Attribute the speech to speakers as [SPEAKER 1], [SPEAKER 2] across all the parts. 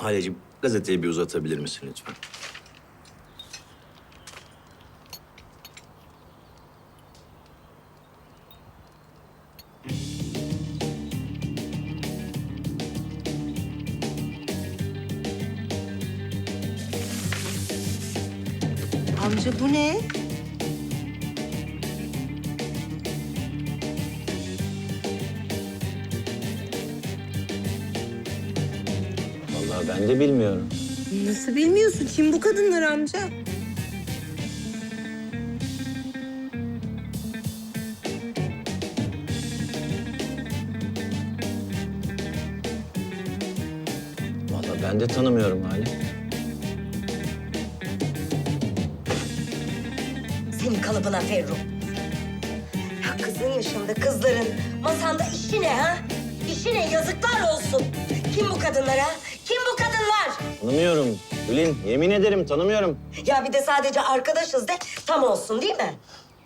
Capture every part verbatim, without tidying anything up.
[SPEAKER 1] Haleciğim, gazeteyi bir uzatabilir misin lütfen?
[SPEAKER 2] Amca bu ne?
[SPEAKER 1] Vallahi ben de bilmiyorum.
[SPEAKER 2] Nasıl bilmiyorsun? Kim bu kadınlar amca?
[SPEAKER 1] Vallahi ben de tanımıyorum Hale.
[SPEAKER 3] Senin kalıbına Ferru. Ya kızın yaşında kızların masanda işi ne ha? İşi ne? Yazıklar olsun. Kim bu kadınlar ha? Kim bu kadınlar?
[SPEAKER 1] Tanımıyorum. Gülün, yemin ederim tanımıyorum.
[SPEAKER 3] Ya bir de sadece arkadaşız de tam olsun değil mi?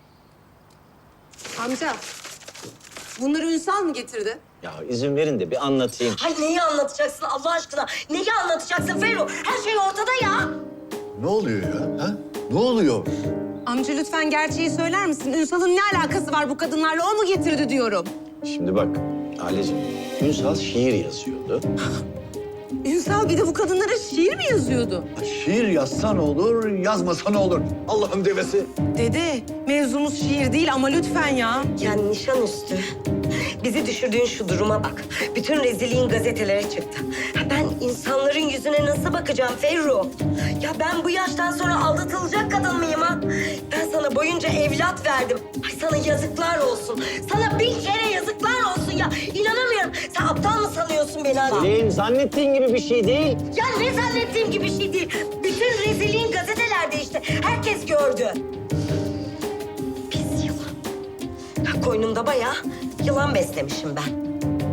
[SPEAKER 2] Amca, bunları Ünsal mı getirdi?
[SPEAKER 1] Ya izin verin de bir anlatayım.
[SPEAKER 3] Hay neyi anlatacaksın Allah aşkına? Neyi anlatacaksın Ferru? Her şey ortada ya.
[SPEAKER 4] Ne oluyor ya? Ha? Ne oluyor?
[SPEAKER 2] Amca lütfen gerçeği söyler misin? Ünsal'ın ne alakası var bu kadınlarla? O mu getirdi diyorum.
[SPEAKER 1] Şimdi bak Haleciğim, Ünsal şiir yazıyordu.
[SPEAKER 2] Ünsal bir de bu kadınlara şiir mi yazıyordu?
[SPEAKER 4] Şiir yazsan olur, yazmasan olur. Allah'ın devesi.
[SPEAKER 2] Dede, mevzumuz şiir değil ama lütfen ya.
[SPEAKER 3] Yani nişanüstü. Bizi düşürdüğün şu duruma bak. Bütün rezilliğin gazetelere çıktı. Ha, ben insanların yüzüne nasıl bakacağım Ferru? Ya ben bu yaştan sonra aldatılacak kadın mıyım ha? Ben sana boyunca evlat verdim. Ay sana yazıklar olsun. Sana bin kere yazıklar olsun ya. İnanamıyorum. Sen aptal mı sanıyorsun beni adam?
[SPEAKER 1] Gülün, zannettiğin gibi bir şey değil.
[SPEAKER 3] Ya ne zannettiğim gibi şey değil. Bütün rezilliğin gazetelerde işte. Herkes gördü. Pis yılan. Ya koynumda bayağı yılan beslemişim ben.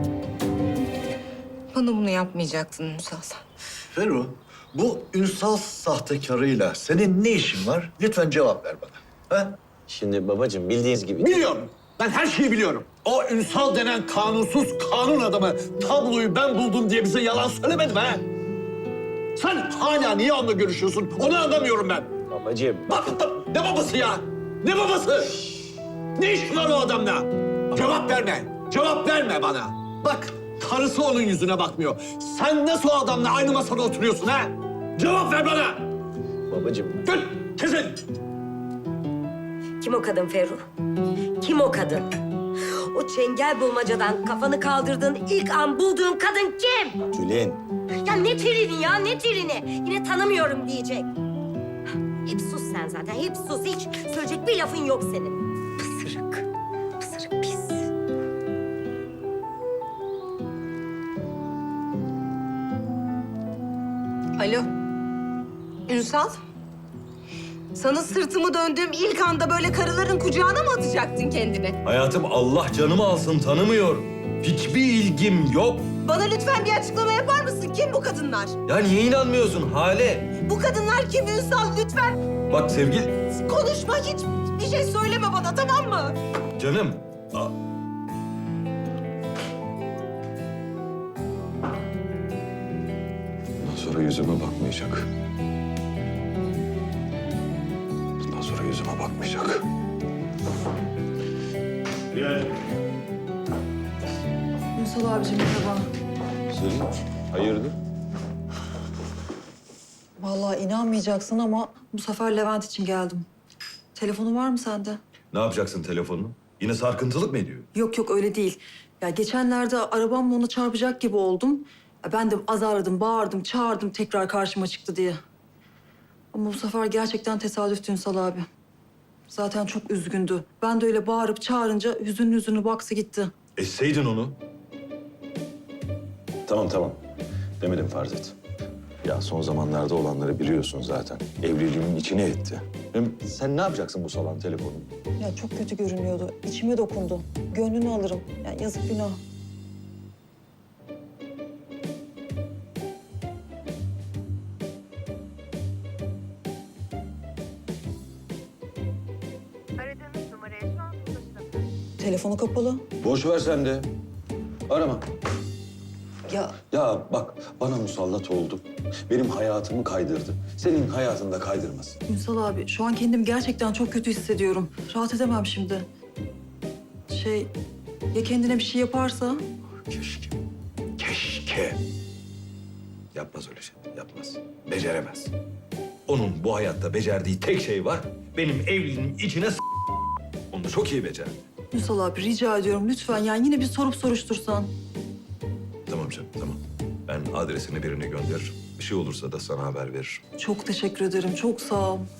[SPEAKER 2] Bana bunu yapmayacaktın Ünsal.
[SPEAKER 4] Ferru, bu Ünsal sahtekarıyla senin ne işin var? Lütfen cevap ver bana. Ha?
[SPEAKER 1] Şimdi babacığım bildiğiniz gibi...
[SPEAKER 4] Biliyorum. Ben her şeyi biliyorum. O Ünsal denen kanunsuz kanun adamı tabloyu ben buldum diye bize yalan söylemedi mi ha? Sen hala niye onunla görüşüyorsun? Onu anlamıyorum ben.
[SPEAKER 1] Babacığım...
[SPEAKER 4] Bak, bak, ne babası ya? Ne babası? Ne işin var o adamla? Cevap verme. Cevap verme bana. Bak, karısı onun yüzüne bakmıyor. Sen nasıl o adamla aynı masada oturuyorsun ha? Cevap ver bana.
[SPEAKER 1] Babacığım...
[SPEAKER 4] Gül, kesin.
[SPEAKER 3] Kim o kadın Ferru? Kim o kadın? O çengel bulmacadan kafanı kaldırdığın ilk an bulduğun kadın kim?
[SPEAKER 1] Gülün,
[SPEAKER 3] Ya ne trini ya ne trini? Yine tanımıyorum diyecek. Hep sus sen zaten hep sus. Hiç söyleyecek bir lafın yok senin. Pısırık. Pısırık pis.
[SPEAKER 2] Alo. Ünsal. Sana sırtımı döndüğüm ilk anda böyle karıların kucağına mı atacaktın kendini?
[SPEAKER 5] Hayatım Allah canımı alsın tanımıyorum. Hiçbir ilgim yok.
[SPEAKER 2] Bana lütfen bir açıklama yapar mısın? Kim bu kadınlar?
[SPEAKER 5] Ya niye inanmıyorsun Hale?
[SPEAKER 2] Bu kadınlar kim Ünsal? Lütfen
[SPEAKER 5] Bak sevgili
[SPEAKER 2] konuşma, hiç bir şey söyleme bana, tamam mı?
[SPEAKER 5] canım. a-
[SPEAKER 6] Bundan sonra yüzüme bakmayacak. Bundan sonra yüzüme bakmayacak.
[SPEAKER 7] Ünsal abicim merhaba.
[SPEAKER 6] Selin, hayırdır?
[SPEAKER 7] Vallahi inanmayacaksın ama bu sefer Levent için geldim. Telefonu var mı sende?
[SPEAKER 5] Ne yapacaksın telefonunu? Yine sarkıntılık mı ediyor?
[SPEAKER 7] Yok yok öyle değil. Ya geçenlerde arabamla ona çarpacak gibi oldum. Ya ben de azarladım, bağırdım, çağırdım tekrar karşıma çıktı diye. Ama bu sefer gerçekten tesadüftü Ünsal abi. Zaten çok üzgündü. Ben de öyle bağırıp çağırınca hüzünlü hüzünlü baksı gitti.
[SPEAKER 5] Esseydin onu.
[SPEAKER 6] Tamam tamam. Demedim farz et. Ya son zamanlarda olanları biliyorsun zaten. Evliliğimin içine etti. Hem sen ne yapacaksın bu salan telefonu?
[SPEAKER 7] Ya çok kötü görünüyordu. İçime dokundu. Gönlünü alırım. Ya yazık günah.
[SPEAKER 8] Aradığınız numaraya şu an ulaşılamıyor.
[SPEAKER 7] Telefonu kapalı.
[SPEAKER 6] Boş ver sen de. Arama.
[SPEAKER 3] Ya
[SPEAKER 6] Ya bak bana musallat oldu. Benim hayatımı kaydırdı. Senin hayatını da kaydırmasın.
[SPEAKER 7] Ünsal abi şu an kendimi gerçekten çok kötü hissediyorum. Rahat edemem şimdi. Şey ya kendine bir şey yaparsa?
[SPEAKER 6] Keşke. Keşke. Yapmaz öyle şey. Yapmaz. Beceremez. Onun bu hayatta becerdiği tek şey var. Benim evliliğimin içine s***. Onu da çok iyi becerdi.
[SPEAKER 7] Ünsal abi rica ediyorum lütfen yani yine bir sorup soruştursan.
[SPEAKER 6] Tamam canım tamam. Ben adresini birine gönderirim. Bir şey olursa da sana haber veririm.
[SPEAKER 7] Çok teşekkür ederim çok sağ ol.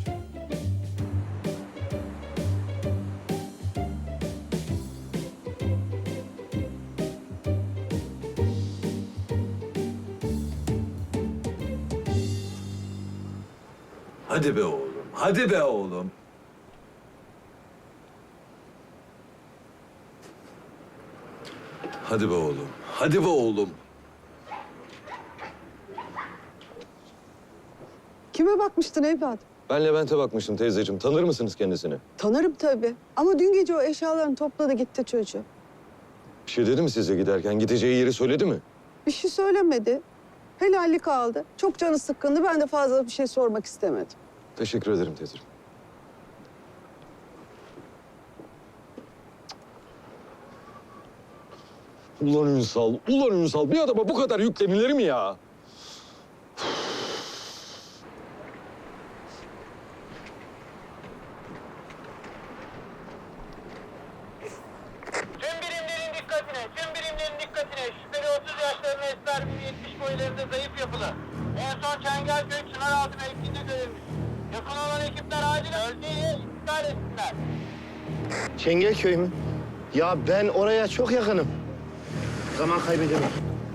[SPEAKER 6] Hadi be oğlum. Hadi be oğlum. Hadi be oğlum. Hadi be oğlum.
[SPEAKER 9] Kime bakmıştın evladım?
[SPEAKER 6] Ben Levent'e bakmıştım teyzeciğim. Tanır mısınız kendisini?
[SPEAKER 9] Tanırım tabii. Ama dün gece o eşyalarını topladı gitti çocuğu.
[SPEAKER 6] Bir şey dedi mi size giderken? Gideceği yeri söyledi mi?
[SPEAKER 9] Bir şey söylemedi. Helallik aldı. Çok canı sıkkındı. Ben de fazla bir şey sormak istemedim.
[SPEAKER 6] Teşekkür ederim teyzeciğim. Ulan Ünsal, ulan Ünsal. Bir adama bu kadar yüklenilir mi ya?
[SPEAKER 10] Tüm birimlerin dikkatine, tüm birimlerin dikkatine. Şüpheli otuz yaşlarında esmer, bir yetmiş boylarında zayıf yapılı. En son Çengelköy Çınaraltı mevkiinde görülmüş. Yakın olan ekipler acilen bölgeyi iptal etsinler.
[SPEAKER 11] Çengelköy mü? Ya ben oraya çok yakınım. Zaman kaybedemem.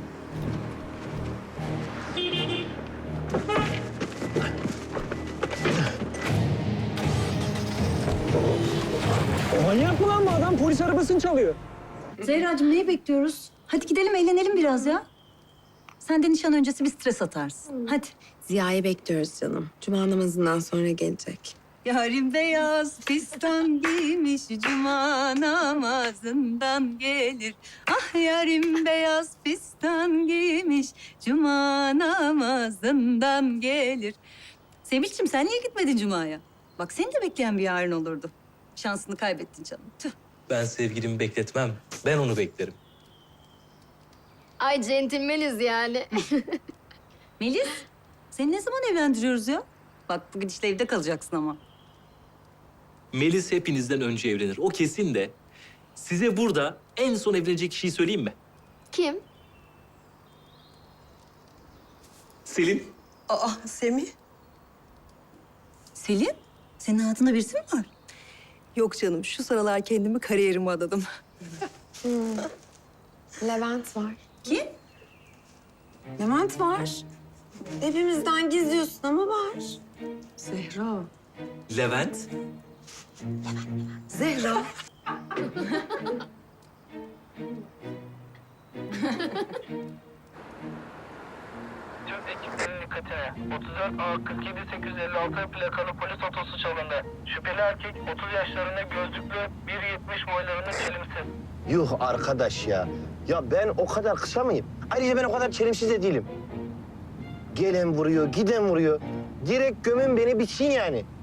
[SPEAKER 9] Manyak mı lan bu adam? Polis arabasını çalıyor.
[SPEAKER 12] Zehracığım neyi bekliyoruz? Hadi gidelim eğlenelim biraz ya. Sen de nişan öncesi bir stres atarsın. Hadi.
[SPEAKER 2] Ziya'yı bekliyoruz canım. Cuma namazından sonra gelecek.
[SPEAKER 12] Yarim beyaz fistan giymiş, cuma namazından gelir. Ah yarim beyaz fistan giymiş, cuma namazından gelir. Sevinç'cim sen niye gitmedin cumaya? Bak seni de bekleyen bir yarın olurdu. Şansını kaybettin canım. Tüh.
[SPEAKER 13] Ben sevgilimi bekletmem. Ben onu beklerim.
[SPEAKER 8] Ay centilmeniz yani.
[SPEAKER 12] Melis, seni ne zaman evlendiriyoruz ya? Bak bu gidişle evde kalacaksın ama.
[SPEAKER 13] Melis hepinizden önce evlenir. O kesin de. Size burada en son evlenecek kişiyi söyleyeyim mi?
[SPEAKER 8] Kim?
[SPEAKER 13] Selin.
[SPEAKER 7] Aa Semih?
[SPEAKER 12] Selin, senin hayatında birisi mi var?
[SPEAKER 7] Yok canım şu sıralar kendimi kariyerime adadım.
[SPEAKER 2] Levent var.
[SPEAKER 12] Kim?
[SPEAKER 2] Levent var. Hepimizden gizliyorsun ama var.
[SPEAKER 7] Zehra.
[SPEAKER 13] Levent.
[SPEAKER 7] Zehra.
[SPEAKER 10] Tüm ekiplerin dikkatine. otuz dört A kırk yedi sekiz yüz elli altı plakalı polis otosu çalındı. Şüpheli erkek otuz yaşlarında gözlüklü, bir yetmiş boylarında çelimsiz.
[SPEAKER 11] Yuh arkadaş ya. Ya ben o kadar kısa mıyım? Ayrıca ben o kadar çelimsiz de değilim. Gelen vuruyor, giden vuruyor. Direkt gömün beni bitsin yani.